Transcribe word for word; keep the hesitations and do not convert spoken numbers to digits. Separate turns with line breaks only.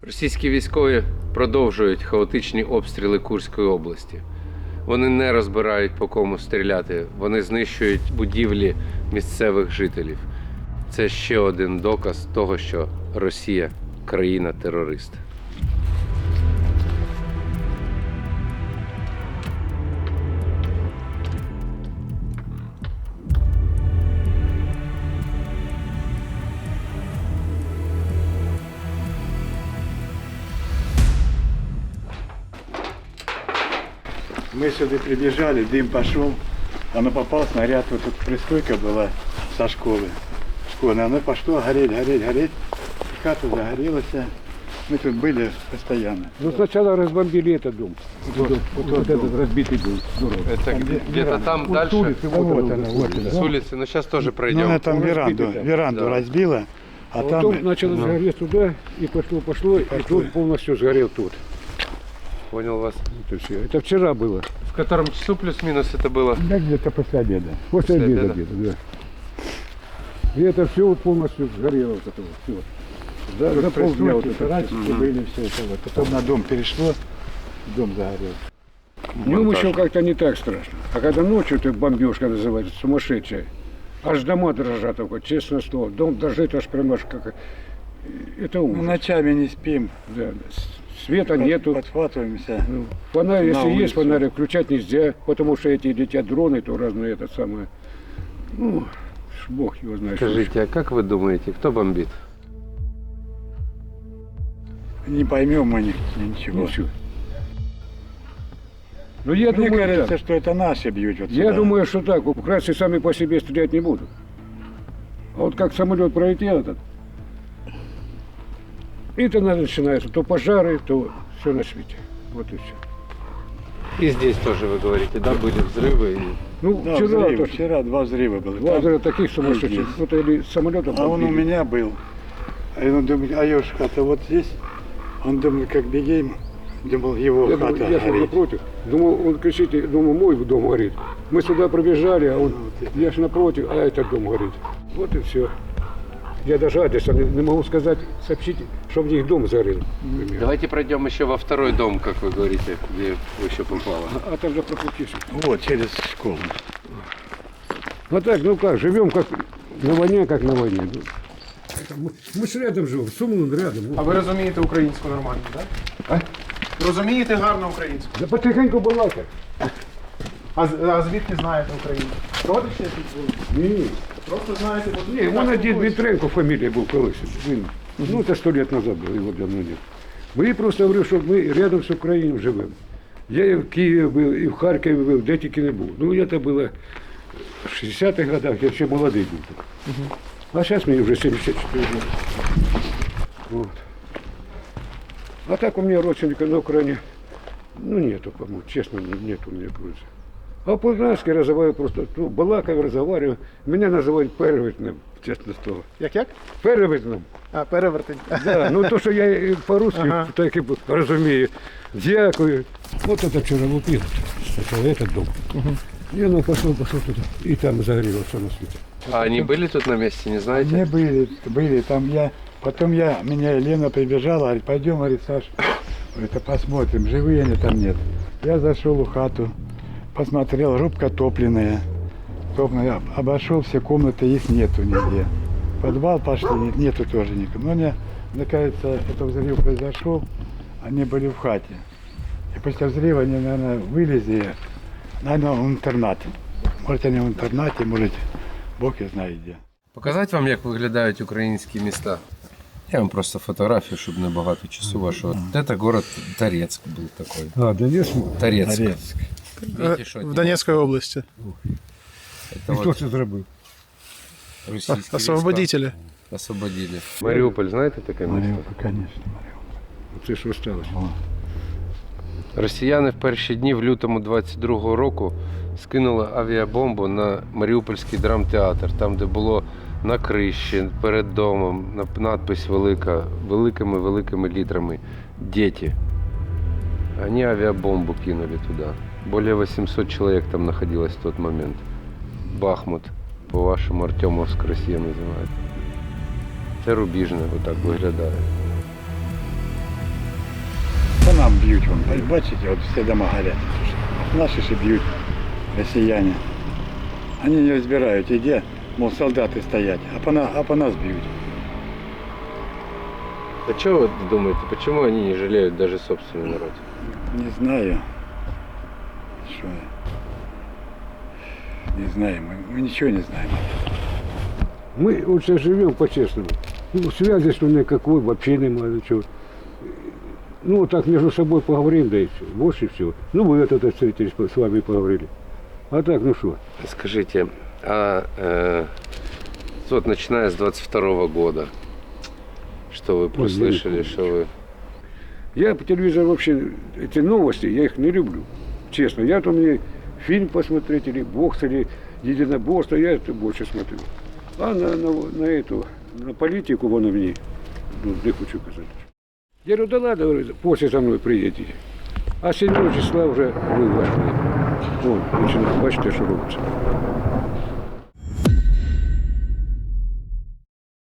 Російські військові продовжують хаотичні обстріли Курської області. Вони не розбирають, по кому стріляти, вони знищують будівлі місцевих жителів. Це ще один доказ того, що Росія – країна-терорист.
Мы сюда прибежали, дым пошел, оно попал, снаряд, вот тут пристройка была со школы, школьная, оно пошло гореть, гореть, гореть, хата загорелась, мы тут были постоянно.
Ну сначала разбомбили этот дом, вот, вот, вот, вот этот
дом.
разбитый дом. Здорово.
Это где-то там
Вот
дальше,
с улицы, вот,
вот
она,
она,
вот она.
с улицы, но сейчас тоже
Ну,
пройдем.
она там
Он
веранду,
разбитый там.
веранду
Да.
разбила, а
А
там...
потом начало
ну,
сгореть туда, и пошло, пошло, и
пошло.
тут полностью сгорел тут.
Понял вас.
Вот и всё. Это вчера было.
В котором часу плюс-минус это было?
Да, где-то после обеда.
После,
После
обеда,
обеда?
где-то, да. И это все полностью сгорело, вот это вот, все. Да,
Тут
за полдня вот
пристройки,
это.
сарайчики были, все это вот. Потом на дом перешло, дом загорел.
Днем
Монтаж.
еще как-то не так страшно. А когда ночью ты бомбежка называется, сумасшедшая. Аж дома дрожат, только, честное слово. Дом дрожит аж прямо аж как... Это
Ну,
ужас.
ночами не спим,
Да. Света нету.
подхватываемся.
Ну, фонарь,
На
если есть
улицу.
фонарь, включать нельзя, потому что эти летят дроны, то разные это самое. Ну, ж бог его знает. что
Скажите, а как вы думаете, кто бомбит?
Не поймем мы ни- ничего.
Ничего. Ну, я
Мне
думаю,
кажется,
так.
что это наши бьют. Вот
Я
сюда.
думаю, что так. Украинцы сами по себе стрелять не будут. А вот как самолет пролетел этот, и то начинается то пожары, то все на свете. Вот и все.
И здесь тоже, вы говорите, да, были взрывы? и-
Ну,
Да,
вчера
взрывы,
тоже.
вчера два взрыва было.
Два
Там-
взрыва таких сумасшедших.
есть.
Вот или самолетом
А он у
подбили.
меня был. А он думает, а его ж хата вот здесь. Он думает, как бегем. Думал, его
Я,
хата
думаю, я шел
горит.
напротив. Думал, он кричит, я думаю, мой дом горит. Мы сюда пробежали, а он, я ж напротив, а этот дом горит. Вот и все. Я даже адреса не, не могу сказать, сообщите, что в них дом сгорел. например.
Давайте пройдем еще во второй дом, как вы говорите, где вы еще попало.
А, а там же пропустишь.
Вот, через школу.
Вот так, ну как, живем как на войне, как на войне. Ну, это Мы, мы ж рядом живем, Сумлун рядом.
А ви розумієте українську нормально, так?
А?
Розумієте гарно українську.
Да потихеньку балакай.
А, з- а звідки знаєте українську? Родичі тут були?
Ні, ні.
Просто знаєте, бо
Ні, у мене дід Дмитренко фамілія був колись. Він, ну, це сто років назад було, його давно нет. Бо я просто говорив, що ми рядом з Україною живемо. Я і в Києві був, і в Харкові був, де тільки не був. Ну, це було в шістдесятих годах, я ще молодий був. А зараз мені вже сімдесят чотири роки. Вот. А так у меня родственника на Украине, ну нету, по-моему, честно, нет у меня просто. А по-украински разговариваю просто, ну, балакаю, разговариваю. Меня называют перевертным, честно слово.
Як як?
Перевертным.
А, перевертень.
Да, ну то, что я и по-русски
Ага.
так и разумею. Дякую. Вот это вчера лупил, это этот дом. И оно пошло, пошло туда. И там загорелось все на свете.
А они были тут на месте, не знаете?
Не были, были там я. Потом я, меня Елена прибежала, говорит, пойдем, говорит, Саш, это посмотрим, живые они там нет. Я зашел в хату, посмотрел, рубка топленная. Топленная. Обошел все комнаты, их нету нигде. В подвал пошли, нет- нету тоже никого. Но мне, мне кажется, это взрыв произошел, они были в хате. И после взрыва они, наверное, вылезли, наверное, в интернат. Может, они в интернате, может, Бог и знает где.
Показати вам, як виглядають українські міста? Я вам просто фотографію, щоб не багато часу вашого. Це город Торецк був такий.
А, да есть?
Торецк.
Торецк.
Видите, що
В Донецькій області.
це
Хто
от
це зробив?
російські
Освободителі.
війська освободили. Маріуполь, знаєте таке місто?
Мариуполь, конечно,
Це що сталося?
Росіяни в перші дні в лютому двадцять другого року скинули авіабомбу на Маріупольський драмтеатр, там, де було на криші, перед домом, на- надпись велика, великими-великими літрами «Дети». Они авиабомбу кинули туда. Более восемьсот человек там находилось в тот момент. Бахмут, по-вашому, Артемовск Росія, називають. Це Рубіжне, отак виглядає.
там б'ють. Вон. Бачите, от всі дома горять. Наші ще б'ють, росіяни. Вони не розбирають, і де, мов, солдати стоять, а по, на, а по нас б'ють.
А что вы думаете, почему они не жалеют даже собственный народ?
Не знаю. Що? Не знаю, мы, мы ничего не знаем.
Мы вот сейчас живем по-честному. Ну, связи что никакой, вообще нема ничего. Ну, вот так между собой поговорим, да и все. Больше всего. Ну, вы это встретились, с вами поговорили. А так, ну что?
Скажите, а э, вот начиная с двадцать второго года, что вы прослышали,
помню.
что вы...
Я по телевизору вообще, эти новости, я их не люблю. Честно. Я то мне фильм посмотреть, или бокс, или единоборство, я это больше смотрю. А на, на, на эту, на политику вон в ней, ну, не хочу сказать. Я говорю, да ладно, говорю, после за мной приедете. А седьмого числа уже вы вошли. Вон, начинаем, бачите, что робится.